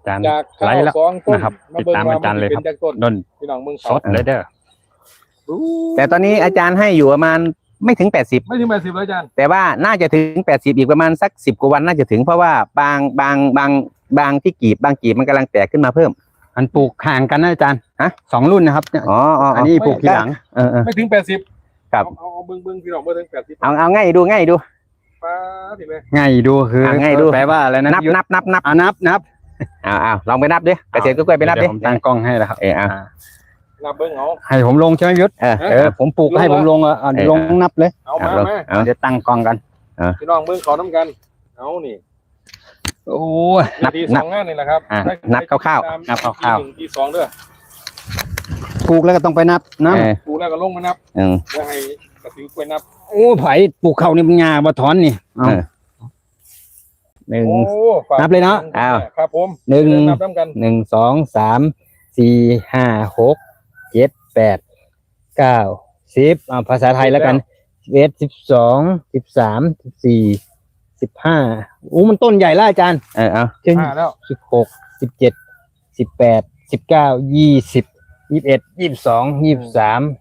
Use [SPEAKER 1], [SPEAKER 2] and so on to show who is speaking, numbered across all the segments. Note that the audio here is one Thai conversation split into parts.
[SPEAKER 1] จาน
[SPEAKER 2] จากข้า
[SPEAKER 1] ไล
[SPEAKER 2] ว
[SPEAKER 1] ฟ์แล้ว
[SPEAKER 2] สองต้น
[SPEAKER 1] นะครับ
[SPEAKER 2] มา
[SPEAKER 1] ติด
[SPEAKER 2] เบิ่ง
[SPEAKER 1] ตาม
[SPEAKER 2] ว่า
[SPEAKER 1] อาจารย์เลย
[SPEAKER 2] เป็
[SPEAKER 1] ครับ
[SPEAKER 2] นจากต้น
[SPEAKER 1] ด้น
[SPEAKER 2] พี่น้องเมือง
[SPEAKER 1] สดเลยเด้อ
[SPEAKER 3] แต่ตอนนี้อาจารย์ให้อยู่ประมาณไม่ถึง80
[SPEAKER 2] ไม่ถึง80แล้วอาจารย์
[SPEAKER 3] แต่ว่าน่าจะถึง80อีกประมาณสัก10กว่าวันน่าจะถึงเพราะว่าบางที่กีบบางกีบมันกำลังแตกขึ้นมาเพิ่ม
[SPEAKER 1] อันปลูกห่างกันนะอาจารย์
[SPEAKER 3] ฮะ
[SPEAKER 1] 2 รุ่นนะครับเนี่ย
[SPEAKER 3] อ๋อ
[SPEAKER 1] อันนี้ปลูกทีหลัง
[SPEAKER 2] ไม่ถึง80
[SPEAKER 3] ครับ
[SPEAKER 2] เอาเบิ่งพี่น้องเบิ่งถึง80
[SPEAKER 3] เอาง่ายดู
[SPEAKER 2] ป้าพี่แม่
[SPEAKER 1] ง่ายดูคือ
[SPEAKER 3] ง่ายดู
[SPEAKER 1] แปลว่าอะไรนะ
[SPEAKER 3] นับ
[SPEAKER 1] พี่ยุทธ
[SPEAKER 3] นับ
[SPEAKER 1] นับ
[SPEAKER 3] เอาลองไปนับดิเกษตรกล้วยไปนับดิ
[SPEAKER 1] เดี๋ยวผมตั้งกล้องให้แล้วครับ
[SPEAKER 2] นับเบิ่งเอา
[SPEAKER 1] ให้ผมลงใช่ไหมยุทธ ผมปลูกให้ผมลงลงนับเลย
[SPEAKER 2] เอามามา
[SPEAKER 3] เอา
[SPEAKER 1] เดี๋ยวตั้งกล้องกัน
[SPEAKER 2] พี่น้องเบิ่งขอน้ำกันเอานี่
[SPEAKER 1] โอ้ย
[SPEAKER 2] นาทีสองงานนี่แหละครับ
[SPEAKER 3] นับคร่าว
[SPEAKER 1] นับคร่าว
[SPEAKER 2] ๆที่2เด้อ
[SPEAKER 1] ปลูกแล้วก็ต้องไปนับนะ
[SPEAKER 2] ปูแล้วก็ลงมานับ
[SPEAKER 3] ๆ
[SPEAKER 2] แล้วให้กระสิวกล้วยนับ
[SPEAKER 1] โอ้ไผ่ปลูกเขานี่มันงาบ่ถอนนี่เอา
[SPEAKER 3] หนึ่ง
[SPEAKER 2] โอ้ฝาก
[SPEAKER 1] นับเลยเนาะ
[SPEAKER 3] อ้าว
[SPEAKER 2] ครับผม
[SPEAKER 1] หนึ่ง
[SPEAKER 2] นับน้ำกัน
[SPEAKER 1] 1 2 3 4 5 6 7 8 9 10ภาษาไทยแล้วกัน11 12 13 14 15โอ้มันต้นใหญ่แล้วอาจารย์
[SPEAKER 3] เอา
[SPEAKER 1] เช่น
[SPEAKER 2] 5แล้ว
[SPEAKER 1] 16 17 18 19 20 21 22 23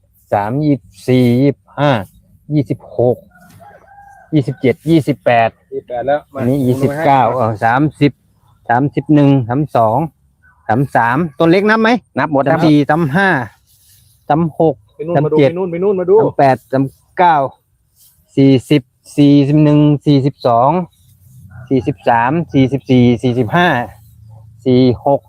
[SPEAKER 1] 24 25 26 27 28
[SPEAKER 2] 28แล้ว
[SPEAKER 1] อันนี้29 30 31 32 33ต้นเล็กนับไหม
[SPEAKER 3] นับหมดนะ
[SPEAKER 1] 34 35 36
[SPEAKER 2] ไปนู่นมาดูไปนู่นมาดู
[SPEAKER 1] 38 39 40 41 42 43 44 45 46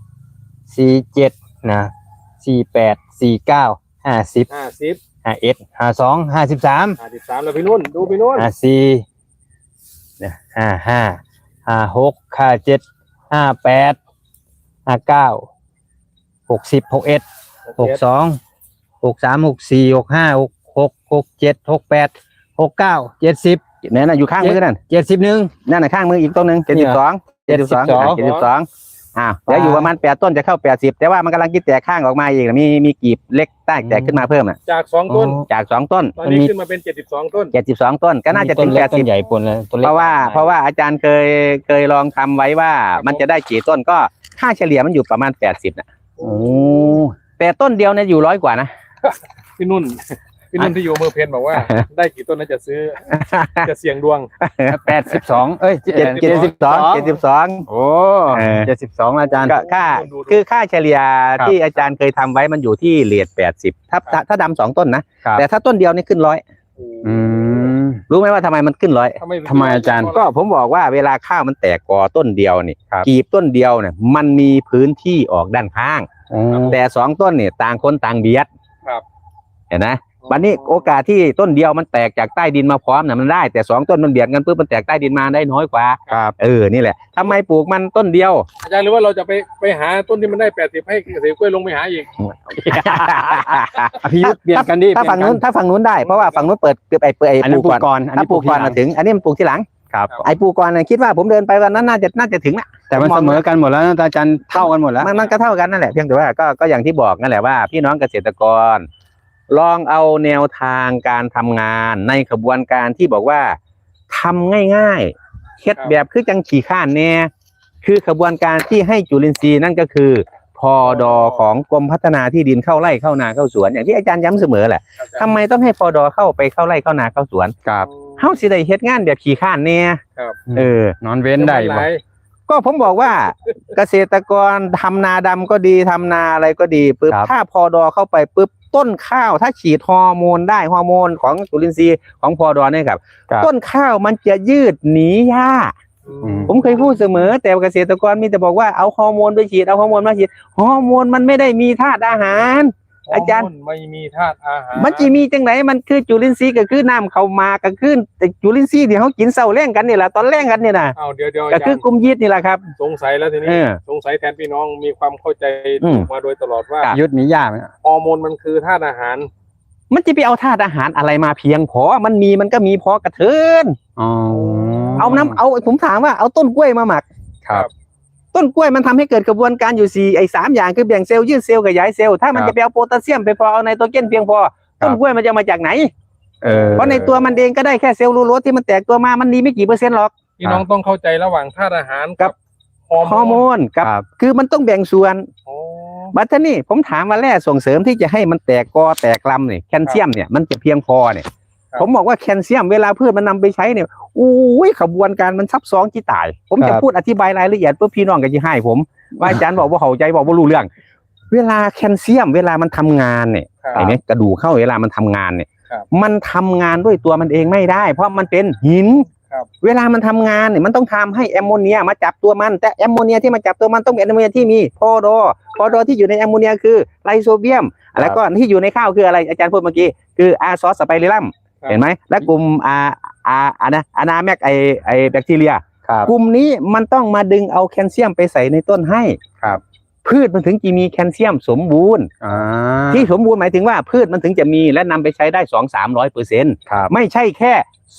[SPEAKER 1] 47นะ48 49 50
[SPEAKER 2] 50
[SPEAKER 1] 51 52 53
[SPEAKER 2] 53แล้วไปนู่นดูไปนู่น
[SPEAKER 1] 54เนี่ย55 56 57 58 59 60 61 62 63 64 65 66 67 68 69 70
[SPEAKER 3] นั่นน่ะอยู่ข้างมือนั่น
[SPEAKER 1] 71
[SPEAKER 3] นั่นน่ะข้างมืออีกต้นหนึ่ง72 เดี๋ยวอยู่ประมาณ8ต้นจะเข้า80แต่ว่ามันกำลังกินแตกข้างออกมาอีกมีกีบเล็กแตกขึ้นมาเพิ่มน่ะ
[SPEAKER 2] จาก2ต้น
[SPEAKER 3] จาก2ต้น
[SPEAKER 2] ตอนนี้ขึ้นมาเป็น72ต้น
[SPEAKER 3] 72ต้นก็น่าจะถึง
[SPEAKER 1] ต้นเล็กต้น
[SPEAKER 3] 80
[SPEAKER 1] ใหญ่ปนเลยต้นเล็ก
[SPEAKER 3] เพราะว่าอาจารย์เคยลองทำไว้ว่ามันจะได้กี่ต้นก็ค่าเฉลี่ยมันอยู่ประมาณ80น่ะ
[SPEAKER 1] โอ้
[SPEAKER 3] แต่ต้นเดียวเนี่ยอยู่100 กว่านะ
[SPEAKER 2] พี่นุ่นที่อยู่อำเภอเพนบอกว่า ได้กี่ต้นน่าจะซื้อจะเสี่ยงดวง
[SPEAKER 1] 82เอ้ย
[SPEAKER 3] 72
[SPEAKER 1] โอ้72อาจารย์
[SPEAKER 3] ก็ค่าเฉลี่ยที่อาจารย์เคยทำไว้มันอยู่ที่เรท80ถ้าดำ2ต้นนะแต่ถ้าต้นเดียวนี่ขึ้น100
[SPEAKER 1] อืม
[SPEAKER 3] รู้ไหมว่าทำไมมันขึ้น100
[SPEAKER 1] ทำไมอาจารย์
[SPEAKER 3] ก็ผมบอกว่าเวลาข้าวมันแตกกอต้นเดียวนี่กีบต้นเดียวเนี่ยมันมีพื้นที่ออกด้านข้างแต่2ต้นเนี่ยต่างคนต่างเบียด
[SPEAKER 2] ครับ
[SPEAKER 3] เห็นไหมวันนี้โอกาสที่ต้นเดียวมันแตกจากใต้ดินมาพร้อมเนี่ยมันได้แต่2ต้นมันเบียดกันปุ๊บมันแตกใต้ดินมาได้น้อยกว่านี่แหละทำไมปลูกมันต้นเดียว
[SPEAKER 2] อาจารย์หรือว่าเราจะไปหาต้นที่มันได้80ให้เกษตรกล้วยลงไปหาอีก
[SPEAKER 1] พี่ยุทธเปลี่ยนกันดิ
[SPEAKER 3] ถ้าฝั่งนู้นได้เพราะว่าฝั่งนู้นเปิดไอ้ป
[SPEAKER 1] อันนั้น
[SPEAKER 3] ลู
[SPEAKER 1] ปลู
[SPEAKER 3] ก
[SPEAKER 1] กก่อนอัน
[SPEAKER 3] ถ้า
[SPEAKER 1] นี้
[SPEAKER 3] ปลูกก่อน
[SPEAKER 1] ทีหลัง
[SPEAKER 3] ถึงอันนี้มันปลูกที่หลัง
[SPEAKER 1] ครับ
[SPEAKER 3] ไอ้ปลูกก่อนคิดว่าผมเดินไปวันนั้นน่าจะถึงนะ
[SPEAKER 1] แต่มันเสมอกันหมดแล้วนะอาจารย์เท่ากันหมดแล้ว
[SPEAKER 3] มันก็เท่ากันนั่นแหละเพียงแต่ว่าก็อย่างที่บอกนั่นแหละว่าพี่น้องเกษตรกร ลองเอาแนวทางการทำงานในขบวนการที่บอกว่าทำง่ายๆเฮ็ดแบบคือจังขี่ข้านแน่คือขบวนการที่ให้จุลินทรีย์นั่นก็คือพอดอของกรมพัฒนาที่ดินเข้าไร่เข้านาเข้าสวนอย่างที่อาจารย์ย้ำเสมอแหละทำไมต้องให้พอดอเข้าไปเข้าไร่เข้านาเข้าสวน
[SPEAKER 1] ครับ
[SPEAKER 3] เฮาสิได้เฮ็ดงานแบบขี่ข้านแน่
[SPEAKER 2] ครับ
[SPEAKER 1] นอนเว้นได้บ่
[SPEAKER 3] ก็ผมบอกว่า เกษตรกรทำนาดำก็ดีทำนาอะไรก็ดีปุ๊บถ้าพอดอเข้าไปปุ๊บต้นข้าวถ้าฉีดฮอร์โมนได้ฮอร์โมนของจุลินทรีย์ของพอดอเนี่ยครับต้นข้าวมันจะยืดหนีหญ้าผมเคยพูดเสมอแต่เกษตรกรมีแต่บอกว่าเอาฮอร์โมนไปฉีดเอาฮอร์โมนมาฉีดฮอร์โมนมันไม่ได้มีธาตุอาหารอาจารย์
[SPEAKER 2] ไม่มีธาตุอาหาร
[SPEAKER 3] มันจะมีจังไหนมันคือจุลินทรีย์ก็คือน้ำเข้ามาก็คือแต่จุลินทรีย์ที่เขากินเศร้าแรงกันนี่แหละตอนแรงกันนี่นะ
[SPEAKER 2] เอาเดี๋ยว
[SPEAKER 3] ก็คื
[SPEAKER 2] อาจาร
[SPEAKER 3] อ
[SPEAKER 2] ย์
[SPEAKER 3] กลุ่มยีดนี่แหละครับ
[SPEAKER 2] สงสัยแล้วทีนี้สงสัยแทนพี่น้องมีความเข้าใจมาโดยตลอดว่า
[SPEAKER 1] ยุทธมียากไหม
[SPEAKER 2] ฮอร์โมนมันคือธาตุอาหาร
[SPEAKER 3] มันจะไปเอาธาตุอาหารอะไรมาเพียงพอมันก็มีพอกระเทิน
[SPEAKER 1] อ๋อ
[SPEAKER 3] เอาผมถามว่าเอาต้นกล้วยมาหมัก
[SPEAKER 1] ครับ
[SPEAKER 3] ต้นกล้วยมันทำให้เกิดกระบวนการอยู่3อย่างคือแบ่งเซลล์ยืดเซลล์ขยายเซลล์ถ้ามันจะไปเอาโพแทสเซียมไปพอเอาไนโตรเจนเพียงพอต้นกล้วยมันจะมาจากไหนเพราะในตัวมันเองก็ได้แค่เซลล์ลูโรสที่มันแตกตัวมามันดีไม่กี่เปอร์เซ็นต์หรอก
[SPEAKER 2] พี่น้องต้องเข้าใจระหว่างธาตุอาหารกับฮ
[SPEAKER 3] ฮอร์โมนกับ
[SPEAKER 1] ครับ
[SPEAKER 3] คือมันต้องแบ่งส่วน
[SPEAKER 2] โอ้
[SPEAKER 3] บัดนี้ผมถามว่าแร่ส่งเสริมที่จะให้มันแตกกอแตกลำเนี่ยแคลเซียมเนี่ยมันจะเพียงพอเนี่ย
[SPEAKER 2] ครับ
[SPEAKER 3] ผมบอกว่าแคลเซียมเวลาพืชมันนำไปใช้เนี่ยอุ้ยขบวนการมันซับซ้อนที่ตาย ผมจะพูดอธิบายรายละเอียดเพื่อพี่น้องกันจะให้ผมว่าอาจารย์บอกว่าเข้าใจบอกว่ารู้เรื่อง เวลาแคลเซียมเวลามันทำงานเนี่ย
[SPEAKER 2] ครับ
[SPEAKER 3] ไอ้เนี่ยกระดูกเข้าเวลามันทำงานเนี่ย
[SPEAKER 2] ครับ
[SPEAKER 3] มันทำงานด้วยตัวมันเองไม่ได้ เพราะมันเป็นหิน
[SPEAKER 2] ครับ
[SPEAKER 3] เวลามันทำงานเนี่ยมันต้องทำให้แอมโมเนียมาจับตัวมันแต่แอมโมเนียที่มาจับตัวมันต้องเป็นแอมโมเนียที่มีพอดอที่อยู่ในแอมโมเนียคือไลโซเบียมแล้วก็ที่อยู่ในข้าวคืออะไรอาจารย์พูดเมื่อกี้คืออาซอสสไปริลัม
[SPEAKER 2] ครับ
[SPEAKER 3] เห็นไหมและกลุ่มอานาแมกไอแบคทีเรีย
[SPEAKER 1] ครับ
[SPEAKER 3] กลุ่มนี้มันต้องมาดึงเอาแคลเซียมไปใส่ในต้นให้
[SPEAKER 1] ครับ
[SPEAKER 3] พืชมันถึงจะมีแคลเซียมสมบูรณ์ ที่สมบูรณ์หมายถึงว่าพืชมันถึงจะมีและนำไปใช้ได้200-300%
[SPEAKER 1] ครับ
[SPEAKER 3] ไม่ใช่แค่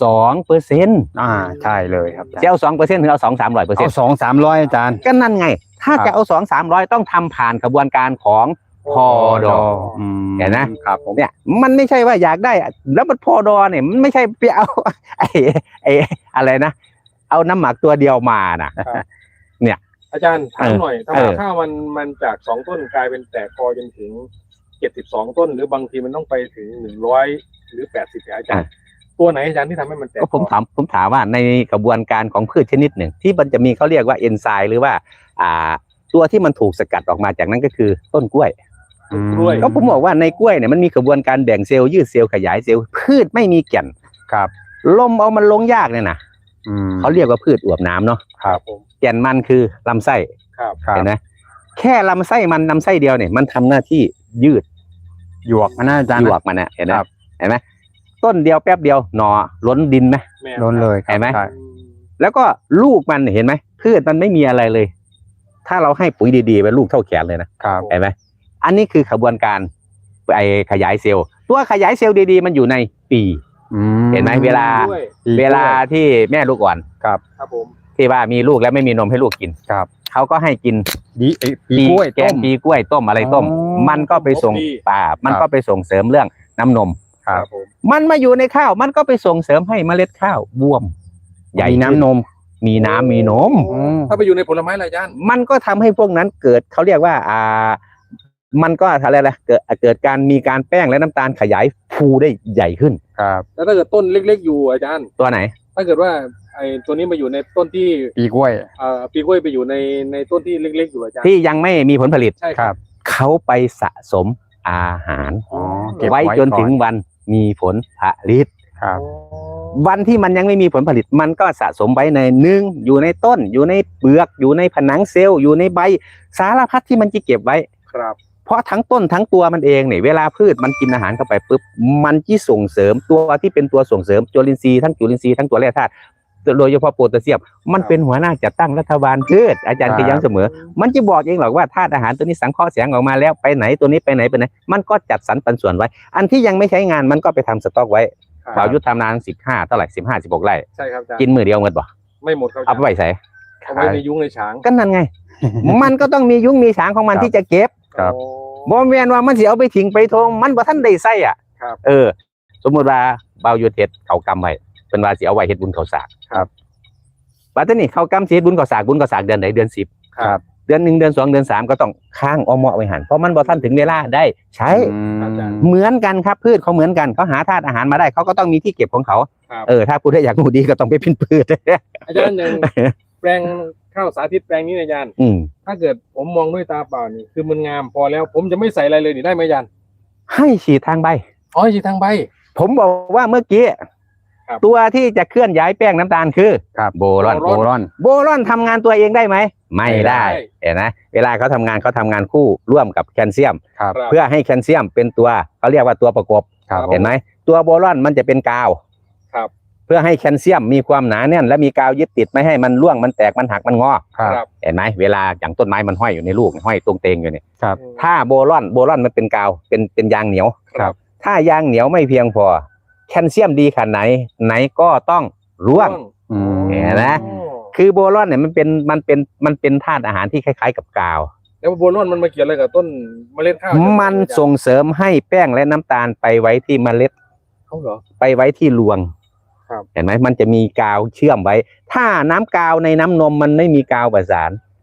[SPEAKER 3] 2%
[SPEAKER 1] ใช่เลยครับ
[SPEAKER 3] จะเอา2%ถึงเอา200-300%
[SPEAKER 1] เอา200-300อาจารย์
[SPEAKER 3] ก็นั่นไง ถ้า
[SPEAKER 1] ครับ
[SPEAKER 3] จะเอา200-300ต้องทำผ่านกระบวนการของพอดอ เห็นไหม
[SPEAKER 1] ครับผม
[SPEAKER 3] เนี่ยมันไม่ใช่ว่าอยากได้ แล้วมันพอดอเนี่ยมันไม่ใช่ไปเอา ไอ้อะไรนะ เอาน้ำหมักตัวเดียวมานะ
[SPEAKER 2] อาจารย์ถามหน่อย
[SPEAKER 3] เออ
[SPEAKER 2] ถ้ามันจาก2 ต้นกลายเป็นแตกกอจนถึง72 ต้น หรือบางทีมันต้องไปถึง100หรือ80เนี่ยอาจารย์ตัวไหนอาจารย์ที่ทำให้มันแตก
[SPEAKER 3] ก็ผมถามว่าในกระบวนการของพืชชนิดหนึ่ง ที่มันจะมีเขาเรียกว่าเอนไซม์หรือว่าตัวที่มันถูกสกัดออกมาจากนั้นก็คือต้นกล้วย
[SPEAKER 2] กล้วย
[SPEAKER 3] ก็ผมบอกว่าในกล้วยเนี่ยมันมีกระบวนการแบ่งเซลล์ยืดเซลล์ขยายเซลล์พืชไม่มีแก่น
[SPEAKER 1] ครับ
[SPEAKER 3] ลมเอามันลงยากเนี่ยนะ
[SPEAKER 1] เขา
[SPEAKER 3] เขาเรียกว่าพืชอวบน้ำเนาะ
[SPEAKER 2] ครับผม
[SPEAKER 3] แก่นมันคือลำไส้
[SPEAKER 2] ครับ
[SPEAKER 1] ครับ
[SPEAKER 3] เห็นไหมแค่ลำไส้มันลำไส้เดียวเนี่ยมันทำหน้าที่ยืด
[SPEAKER 1] หยวกมันน่าอาจารย์
[SPEAKER 3] หยวกมันเนี่ยเห็นไหม
[SPEAKER 1] ครับ
[SPEAKER 3] เห็นไหมต้นเดียวแป๊บเดียวหน่อล้นดินไหม
[SPEAKER 2] แม่
[SPEAKER 1] ล้นเลยครับ
[SPEAKER 3] เห็นไหม
[SPEAKER 1] ใช่
[SPEAKER 3] แล้วก็ลูกมันเห็นไหมพืชมันไม่มีอะไรเลย ถ้าเราให้ปุ๋ยดีๆไปลูกเท่าแขนเลยนะครับ เห็นไหมอันนี้คือกระบวนการไอขยายเซลล์ตัวขยายเซลล์ดีๆมันอยู่ในปี เห็นไหมเวลา
[SPEAKER 2] ด้วย
[SPEAKER 3] เวลาที่แม่ลูกอ่อน
[SPEAKER 2] ครับผม
[SPEAKER 3] ที่ว่ามีลูกแล้วไม่มีนมให้ลูกกิน
[SPEAKER 1] ครับ
[SPEAKER 3] เขาก็ให้กิน
[SPEAKER 1] ปีกล้วย
[SPEAKER 3] แก
[SPEAKER 1] ต้
[SPEAKER 3] ง
[SPEAKER 1] ม
[SPEAKER 3] ปีกล้วยต้มอะไรต้ม
[SPEAKER 1] อ๋อ
[SPEAKER 3] มันก็ไปส่งป่ามันก็ไปส่งเสริมเรื่องน้ำนม
[SPEAKER 1] ครับ
[SPEAKER 2] ผม
[SPEAKER 3] มันมาอยู่ในข้าวมันก็ไปส่งเสริมให้เมล็ดข้าวบวม ใหญ่
[SPEAKER 1] มีน้ำนม
[SPEAKER 3] มีน้ำมีนม
[SPEAKER 1] อืม
[SPEAKER 2] ถ้าไปอยู่ในผลไม้อะไรอาจารย์
[SPEAKER 3] มันก็ทำให้พวกนั้นเกิดเขาเรียกว่ามันก็อะไรล่ะเกิดการมีการแป้งและน้ำตาลขยายฟูได้ใหญ่ขึ้น
[SPEAKER 1] ครับ
[SPEAKER 2] แล้วถ้าเกิดต้นเล็กๆอยู่อาจารย์
[SPEAKER 3] ตัวไหน
[SPEAKER 2] ถ้าเกิดว่าไอ้ตัวนี้มาอยู่ในต้นที่
[SPEAKER 1] ปีกล้วย
[SPEAKER 2] ปีกล้วยไปอยู่ในต้นที่เล็กๆอยู่อาจารย์
[SPEAKER 3] ที่ยังไม่มีผลผลิต
[SPEAKER 2] ใช่
[SPEAKER 1] ค
[SPEAKER 2] ค
[SPEAKER 1] รั
[SPEAKER 2] รับ บ
[SPEAKER 3] เขาไปสะสมอาหาร
[SPEAKER 1] อ๋อเก็บ
[SPEAKER 3] ไว้
[SPEAKER 1] ไว้
[SPEAKER 3] จน
[SPEAKER 1] ก่อน
[SPEAKER 3] ถึงวันมีผลผลิต
[SPEAKER 1] ครับ
[SPEAKER 3] วันที่มันยังไม่มีผลผลิตมันก็สะสมไว้ในหนึ่งอยู่ในต้น อยู่ในเปลือกอยู่ในผนังเซลล์อยู่ในใบสารพัดที่มันจะเก็บไว้
[SPEAKER 2] ครับ
[SPEAKER 3] เพราะทั้งต้นทั้งตัวมันเองเนี่ยเวลาพืชมันกินอาหารเข้าไปปุ๊บมันที่ส่งเสริมตัวที่เป็นตัวส่งเสริมจุลินทรีย์ทั้งจุลินทรีย์ทั้งตัวแร่ธาตุโดยเฉพาะโพแทสเซียมมันเป็นหัวหน้าจัดตั้งรัฐบาลพืชอาจารย์
[SPEAKER 1] ครับ
[SPEAKER 3] เคยย้ำเสมอ มันจะบอกเองหรอกว่าธาตุอาหารตัวนี้สังเคราะห์แสงออกมาแล้วไปไหนตัวนี้ไปไหนมันก็จัดสรรปันส่วนไว้ อันที่ยังไม่ใช้งานมันก็ไปทำสต็อกไว้
[SPEAKER 2] ครับ
[SPEAKER 3] บ่าวยุทธทำนาน15เท่าไหร่16ไร่
[SPEAKER 2] ใช่ครับอาจารย์
[SPEAKER 3] กินมือเดียวเงินบ่
[SPEAKER 2] ไม่หมดครับอา
[SPEAKER 3] เอา
[SPEAKER 2] จาร
[SPEAKER 3] ไป
[SPEAKER 2] ย์
[SPEAKER 3] ไว้ใส่
[SPEAKER 2] เอาไว้ในยุ้งในฉาง
[SPEAKER 3] ก็นั่นไง มันก็ต้องมียุ้งมีฉางของมัน
[SPEAKER 1] ครับ
[SPEAKER 3] ที่จะเก็บ
[SPEAKER 1] ครับ
[SPEAKER 2] โอ้
[SPEAKER 3] บ่แม่นว่ามันสิเอาไปทิ้งไปทงมันบ่ทันได้ใส่อ่ะ
[SPEAKER 2] ครับ
[SPEAKER 3] สมมุติว่าบ่าวยุทธเฮ็ดเขากำไว้เป็นว่าสิเอาไว้เฮ็ดบุญเขาสาก
[SPEAKER 1] ครับ
[SPEAKER 3] บัดนี้เขากำสิเฮ็ดบุญเขาสากเดือนไหนเดือน10
[SPEAKER 2] ครับ
[SPEAKER 3] เดือน1เดือน2เดือน3ก็ต้องค้างเอาเหมาะไว้หันเพราะมันบ่ทันถึงเวลาได้ใช้
[SPEAKER 2] อาจารย์
[SPEAKER 3] เหมือนกันครับพืชเขาเหมือนกันเขาหาธาตุอาหารมาได้เขาก็ต้องมีที่เก็บของเขา
[SPEAKER 2] ครับ
[SPEAKER 3] ถ้าพูดได้อยากรู้ดีก็ต้องไปพินพืช
[SPEAKER 2] อาจารย์อย่างแปลงข้าวสาธิตแปลงนี้นะอาจารย์
[SPEAKER 3] อืม
[SPEAKER 2] ถ้าเกิดผมมองด้วยตาเปล่านี่คือมันงามพอแล้ว ผมจะไม่ใส่อะไรเลยนี่ได้ไหมอาจารย์
[SPEAKER 3] ให้ฉีดทางใบ
[SPEAKER 2] อ๋อจีทางใบ
[SPEAKER 3] ผมบอกว่าเมื่อกี้
[SPEAKER 2] ครับ
[SPEAKER 3] ตัวที่จะเคลื่อนย้ายแป้งน้ำตาลคือ
[SPEAKER 1] ครับ
[SPEAKER 3] โบรอน
[SPEAKER 1] โบรอน
[SPEAKER 3] โบรอนทำงานตัวเองได้ไหมไม่ได้
[SPEAKER 2] ไม่ได้
[SPEAKER 3] เห็นไหมเวลาเขาทำงานคู่ร่วมกับแคลเซียม
[SPEAKER 1] ครับ
[SPEAKER 2] ครับ
[SPEAKER 3] เพื่อให้แคลเซียมเป็นตัวเขาเรียกว่าตัวประกบ
[SPEAKER 1] ครับ
[SPEAKER 3] เห็นไหมตัวโบรอนมันจะเป็นกาว
[SPEAKER 2] ครับ
[SPEAKER 3] เพื่อให้แคลเซียมมีความหนาแน่นและมีกาวยึดติดไม่ให้มันร่วงมันแตกมันหักมันงอ
[SPEAKER 1] ครับ
[SPEAKER 2] ครับ
[SPEAKER 3] เห็นไหมเวลาอย่างต้นไม้มันห้อยอยู่ในลูกห้อยตรงเตงอยู่เนี่ย
[SPEAKER 1] ครับ
[SPEAKER 3] ถ้าโบรอนมันเป็นกาวเป็นยางเหนียว
[SPEAKER 1] ครับ
[SPEAKER 3] ถ้ายางเหนียวไม่เพียงพอแคลเซียมดีขนาดไหนก็ต้องร่วง
[SPEAKER 1] อืม
[SPEAKER 3] เห็นไหม คือโบรอนเนี่ยมันเป็นธาตุอาหารที่คล้ายๆกับกาว
[SPEAKER 2] แล้วโบรอนมันมาเกี่ยวอะไรกับต้นเมล็ดข้าว
[SPEAKER 3] มันส่งเสริมให้แป้งและน้ำตาลไปไว้ที่เมล็ด
[SPEAKER 2] เขาเหรอ
[SPEAKER 3] ไปไว้ที่รวง
[SPEAKER 2] ครับ
[SPEAKER 3] เห็นไหมมันจะมีกาวเชื่อมไว้ ถ้าน้ำกาวในน้ำนมมันไม่มีกาวประสาน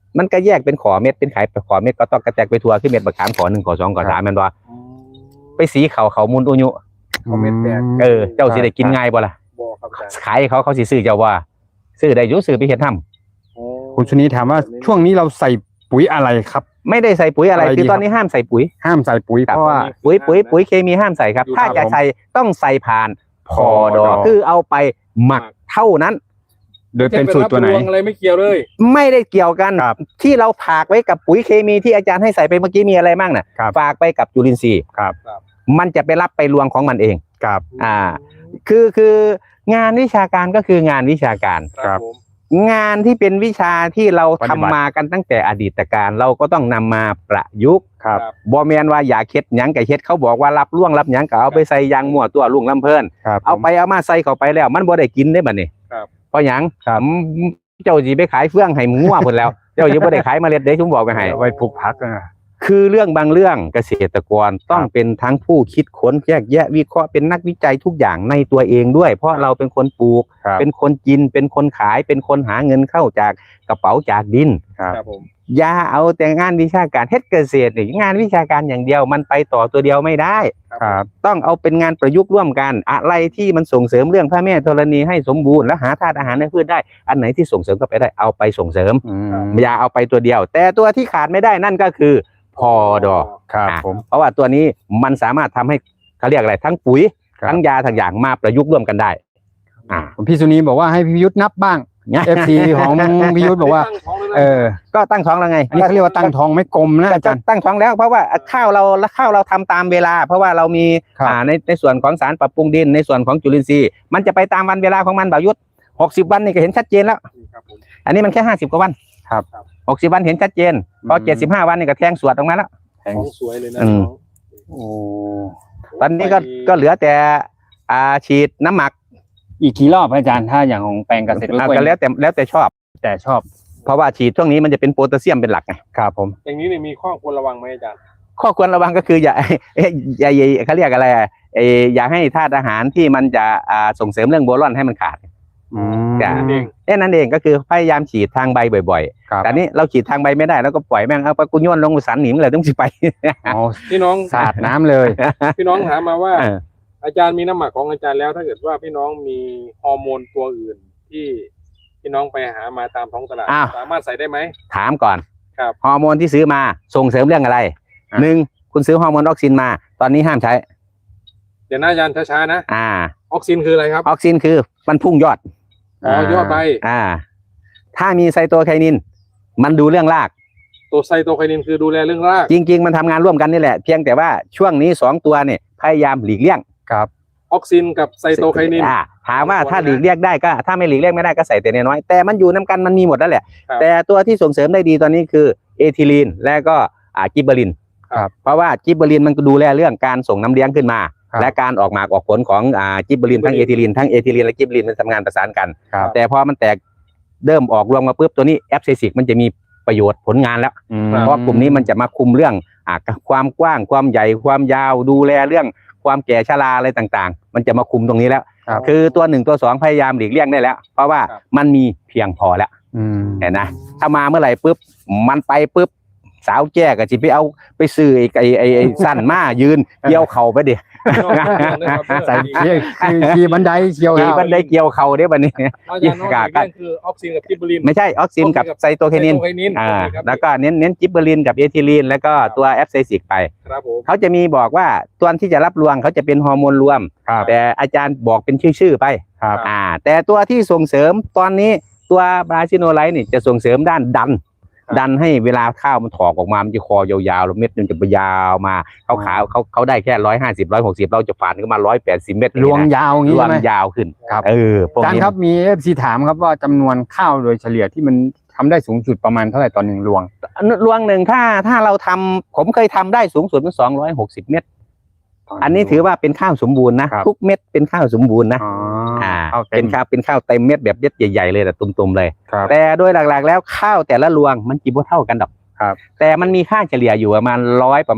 [SPEAKER 3] มันก็แยกเป็นขอเม็ดเป็นไข่ขอเม็ดก็ต้องกระแจกไปทัวขึ้นเม็ดบักขามขอ1ขอ2ขอ3แม่นบ่ไปสีเขามุนอุยุ
[SPEAKER 2] คอมเมนต์แตก
[SPEAKER 3] เจ้าสิได้กินง่ายบ่ล่ะ
[SPEAKER 2] บอกครับอาจารย์
[SPEAKER 3] ขายเขาสิซื้อเจ้าว่าซื้อได้อยู่ซื้อไปเฮ็ดทำ
[SPEAKER 2] โอ้
[SPEAKER 1] คุณชนีถามว่าช่วงนี้เราใส่ปุ๋ยอะไรครับ
[SPEAKER 3] ไม่ได้ใส่ปุ๋ยอะไร
[SPEAKER 1] อะไรดี
[SPEAKER 3] คือตอนนี้ห้ามใส่ปุ๋ย
[SPEAKER 1] ห้ามใส่ปุ๋ย
[SPEAKER 3] ครับ
[SPEAKER 1] เพราะว่า
[SPEAKER 3] ปุ๋ยเคมีห้ามใส่ครับ ถ้าจะใส่ต้องใส่ผ่านพอดอคือเอาไปหมักเท่านั้น
[SPEAKER 1] โดยเป็นสูตรตัวไหน
[SPEAKER 2] ม่ใช่ปบอะไรไม่เกี่ยวเลย
[SPEAKER 3] ไม่ได้เกี่ยวกัน
[SPEAKER 1] ครับ
[SPEAKER 3] ที่เราฝากไว้กับปุ๋ยเคมีที่อาจารย์ให้ใส่ไปเมื่อกี้มีอะไรบ้างน่ะ
[SPEAKER 1] ครับ
[SPEAKER 3] ฝากไปกับจุลินทรีย์
[SPEAKER 1] ครับ
[SPEAKER 3] มันจะไปรับไปรวงของมันเอง
[SPEAKER 1] ครับ
[SPEAKER 3] คืองานวิชาการก็คืองานวิชาการ
[SPEAKER 2] ครับผม
[SPEAKER 3] งานที่เป็นวิชาที่เรา
[SPEAKER 1] ปฏิ
[SPEAKER 3] ทำ
[SPEAKER 1] บัติ
[SPEAKER 3] มากันตั้งแต่อดีตการเราก็ต้องนำมาประยุกต์
[SPEAKER 1] ครับ
[SPEAKER 3] บ่แมนว่าอย่าเค็ดหยังกับเฮ็ดเขาบอกว่ารับล่วงรับหยังก็เอาไปใส่ยางมั่วตัวลุงลำเพลิน
[SPEAKER 1] ครับ
[SPEAKER 3] เอาไปเอามาใส่เข้าไปแล้ว มันบ่ได้กินได้บัดนี้
[SPEAKER 2] ครับ
[SPEAKER 3] เพราะหยัง
[SPEAKER 1] ครับ
[SPEAKER 3] เจ้าสิไปขายเฟื่องให้หมูมั่วพุ่นแล้ว เจ้าสิบ่ได้ขายเมล็ดเด้ผมบอกไปให้
[SPEAKER 1] ไว้ปลูกผักนะ
[SPEAKER 3] คือเรื่องบางเรื่องเกษตรกรต้องเป็นทั้งผู้คิดค้นแยกแยะวิเคราะห์เป็นนักวิจัยทุกอย่างในตัวเองด้วย เพราะเราเป็นคนปลูก
[SPEAKER 1] ครับ
[SPEAKER 3] เป็นคนกินเป็นคนขายเป็นคนหาเงินเข้าจากกระเป๋าจากดิน
[SPEAKER 1] ครับ
[SPEAKER 2] ครับผม
[SPEAKER 3] อย่าเอาแต่งานวิชาการเฮ็ดเกษตรนี่งานวิชาการอย่างเดียวมันไปต่อตัวเดียวไม่ได้
[SPEAKER 1] ครับ
[SPEAKER 3] ต้องเอาเป็นงานประยุกต์ร่วมกันอะไรที่มันส่งเสริมเรื่องพระแม่ธรณีให้สมบูรณ์และหาธาตุอาหารในพืชได้อันไหนที่ส่งเสริมเข้าไปได้เอาไปส่งเสริม
[SPEAKER 1] อืม
[SPEAKER 3] อย่าเอาไปตัวเดียว แต่ตัวที่ขาดไม่ได้นั่นก็คือพอดอ
[SPEAKER 1] ครับผม
[SPEAKER 3] เพราะว่าตัวนี้มันสามารถทำให้เขาเรียกอะไรทั้งปุ๋ย
[SPEAKER 1] ครับ
[SPEAKER 3] ทั้งยาทั้งอย่างมาประยุกต์ร่วมกันได้
[SPEAKER 1] พี่สุนีบอกว่าให้พี่ยุทธนับบ้าง FC ของพี่ยุทธบอกว่า
[SPEAKER 2] ตั้งท้องแล้วนะ
[SPEAKER 3] ก็ตั้งท้องแล้วไง
[SPEAKER 1] อันนี้เขาเรียกว่าตั้งท้องไม่กลมนะอาจารย์
[SPEAKER 3] ตั้งท้องแล้วเพราะว่าข้าวเราทำตามเวลา เพราะว่าเรามี
[SPEAKER 1] ครับ
[SPEAKER 3] ในส่วนของสารปรับปรุงดินในส่วนของจุลินทรีย์มันจะไปตามวันเวลาของมันบ่าวยุทธ60 วันนี่ก็เห็นชัดเจนแล้ว
[SPEAKER 2] ครับผม
[SPEAKER 3] อันนี้มันแค่50 กว่าวัน
[SPEAKER 1] ครับ
[SPEAKER 3] 60 วันเห็นชัดเจนพอ
[SPEAKER 1] อืม
[SPEAKER 3] 75 วันนี่ก็แทงสวดออกมาแล้ว
[SPEAKER 2] ท้องสวยเลยนะ
[SPEAKER 3] อืม
[SPEAKER 1] โอ้
[SPEAKER 3] ตอนนี้ก็เหลือแต่ฉีดน้ำหมัก
[SPEAKER 1] อีกกี่รอบอาจารย์ถ้าอย่างของแปลงเกษตรกล้วย
[SPEAKER 3] ก็แล้วแต่ชอบ
[SPEAKER 1] แต่ชอบ
[SPEAKER 3] เพราะว่าฉีดช่วงนี้มันจะเป็นโพแทสเซียมเป็นหลักไง
[SPEAKER 1] ครับผม
[SPEAKER 2] อย่างนี้เนี่ยมีข้อควรระวังไหมอาจารย์
[SPEAKER 3] ข้อควรระวังก็คืออย่า อย่าเขาเรียกอะไรอย่าให้ธาตุอาหารที่มันจะส่งเสริมเรื่องโบรอนให้มันขาด
[SPEAKER 1] อืม
[SPEAKER 3] จ้ะ
[SPEAKER 2] เอง
[SPEAKER 3] แค่นั้นเองก็คือพยายามฉีดทางใบบ่อย
[SPEAKER 1] ครับ
[SPEAKER 3] ๆแต่นี้เราฉีดทางใบไม่ได้แล้วก็ปล่อยแม่งเอาไปกุญยนลงสันหนิมเลยต้องสิไป
[SPEAKER 1] อ๋อ
[SPEAKER 2] พี่น้อง
[SPEAKER 1] สาดน้ำเลย
[SPEAKER 2] พี่น้องถามมาว่า
[SPEAKER 3] เออ
[SPEAKER 2] อาจารย์มีน้ำหมักของอาจารย์แล้ว ถ้าเกิดว่าพี่น้องมีฮอร์โมนตัวอื่นที่พี่น้องไปหามาตามท้องตลาด
[SPEAKER 3] อ้าว
[SPEAKER 2] สามารถใส่ได้ไหม
[SPEAKER 3] ถามก่อน
[SPEAKER 2] ครับ
[SPEAKER 3] ฮอร์โมนที่ซื้อมาส่งเสริมเรื่องอะไร
[SPEAKER 1] อ่ะ
[SPEAKER 3] หนึ่งคุณซื้อฮอร์โมนออกซินมา ตอนนี้ห้ามใช้
[SPEAKER 2] เดี๋ยวนะอาจารย์ช้าๆนะ
[SPEAKER 3] อ
[SPEAKER 2] ออกซินคืออะไรครับ
[SPEAKER 3] อกซินคือมันพุ่งยอด
[SPEAKER 2] อ๋อยอดใบ
[SPEAKER 3] ถ้ามีไซโตไคนินมันดูเรื่องราก
[SPEAKER 2] ตัวไซโตไคนินคือดูแลเรื่องราก
[SPEAKER 3] จริง ๆ มันทำงานร่วมกันนี่แหละ เพียงแต่ว่าช่วงนี้2 ตัวเนี่ยพยายามหลีกเลี่ยง
[SPEAKER 1] ครับ
[SPEAKER 2] ออกซินกับไซโตไคนิน
[SPEAKER 3] ถามว่า
[SPEAKER 2] สองตัว
[SPEAKER 3] ถ้า
[SPEAKER 2] นะ
[SPEAKER 3] หลีกเลี่ยงได้ก็ถ้าไม่หลีกเลี่ยงไม่ได้ก็ใส่แต่น้อยๆแต่มันอยู่น้ำกันมันมีหมดแล้วแหละ
[SPEAKER 2] ครับ
[SPEAKER 3] แต่ตัวที่ส่งเสริมได้ดีตอนนี้คือเอทิลีนและก็กิบเบอริน
[SPEAKER 1] ครับ
[SPEAKER 3] เพราะว่ากิบเบอรินมันก็ดูแลเรื่องการส่งน้ำเลี้ยงขึ้นมา
[SPEAKER 1] ครับ
[SPEAKER 3] และการออกหมากออกผลของกิบเบอรินทั้งเอทิลีนทั้งเอทิลีนและกิบเบอรินมันทำงานประสานกัน
[SPEAKER 1] ครับ
[SPEAKER 3] แต่พอมันแตกเริ่มออกรวมมาปุ๊บตัวนี้แอปเซซิกมันจะมีประโยชน์ผลงานแล้ว
[SPEAKER 1] อืม
[SPEAKER 3] เพราะกลุ่มนี้มันจะมาคุมเรื่องความกว้างความใหญ่ความยาวดูแลเรื่องความแก่ชราอะไรต่างๆ มันจะมาคุมตรงนี้แล้ว
[SPEAKER 1] ครับ
[SPEAKER 3] คือตัว1ตัว2พยายามหลีกเลี่ยงได้แล้ว เพราะว่า
[SPEAKER 2] ครับ
[SPEAKER 3] มันมีเพียงพอแล้ว
[SPEAKER 1] อืม
[SPEAKER 3] เห็นนะถ้ามาเมื่อไหร่ปุ๊บมันไปปุ๊บสาวแจ้ก็จิไปเอาไปซื้อไอ้สั้นมายืนเกี่ยวเข่าไปดิ
[SPEAKER 2] พี่น้องเรื่องนะครับ
[SPEAKER 1] ใส่
[SPEAKER 2] เรื่อง
[SPEAKER 1] ขี่บันไดเกี่ยว
[SPEAKER 3] ขี่
[SPEAKER 1] แล้ว
[SPEAKER 3] บันไดเกี่ยวเข่าได้บัดนี้
[SPEAKER 2] อาจารย์น้องอีกเรื่องคือออกซินกับกิบเบอริน
[SPEAKER 3] ไม่ใช่ออกซินกับไซโตไคนิน
[SPEAKER 2] ไซโตไคนิน
[SPEAKER 3] อ่า
[SPEAKER 2] โอเคครับ
[SPEAKER 3] แล้วก็เน้นจิบเบอรินกับเอทิลีนแล้วก็ตัวแอปเซซิกไป
[SPEAKER 2] ครับผม
[SPEAKER 3] เขาจะมีบอกว่าตัวที่จะรับรวงเขาจะเป็นฮอร์โมนรวม
[SPEAKER 1] ครับ
[SPEAKER 3] แต่อาจารย์บอกเป็นชื่อไป
[SPEAKER 1] ครับ
[SPEAKER 3] แต่ตัวที่ส่งเสริมตอนนี้ตัวบราซิโนไลท์นี่จะส่งเสริมด้านดันให้เวลาข้าวมันถอกออกมามันจะคอยาวๆแล้วเม็ดมันจะยาวมาเขาได้แค่150 160เราจะฝานขึ้นมา180 เม็ด
[SPEAKER 1] ลวงยาวอย่าง
[SPEAKER 3] ร
[SPEAKER 1] นี้
[SPEAKER 3] ว
[SPEAKER 1] ใช่
[SPEAKER 3] ง
[SPEAKER 1] ไหม
[SPEAKER 3] ยาวขึ้น
[SPEAKER 1] ครับ
[SPEAKER 3] พวก
[SPEAKER 1] อาจาร
[SPEAKER 3] นี้
[SPEAKER 1] ย์ครับมี FC ถามครับว่าจำนวนข้าวโดยเฉลี่ยที่มันทำได้สูงสุดประมาณเท่าไหร่ต่อ1รวง
[SPEAKER 3] รวงหนึ่งถ้าเราทำผมเคยทำได้สูงสุดเป็น260 เม็ดอันนี้ถือว่าเป็นข้าวสมบูรณ์นะครับ ทุกเม็ดเป็นข้าวสมบูรณ์นะ
[SPEAKER 1] อ๋อ
[SPEAKER 3] ข้าว
[SPEAKER 1] เต็
[SPEAKER 3] เป็
[SPEAKER 1] ม
[SPEAKER 3] นข้าวเต็มเม็ดแบบเม็ดใหญ่ๆเลยแต่ตุ่มๆเลย
[SPEAKER 1] ครับ
[SPEAKER 3] แต่โดยหลักๆแล้วข้าวแต่ละรวงมันกินบ่เท่ากันดอก
[SPEAKER 1] ครับ
[SPEAKER 3] แต่มันมีค่าเฉลี่ยอยู่ประมาณ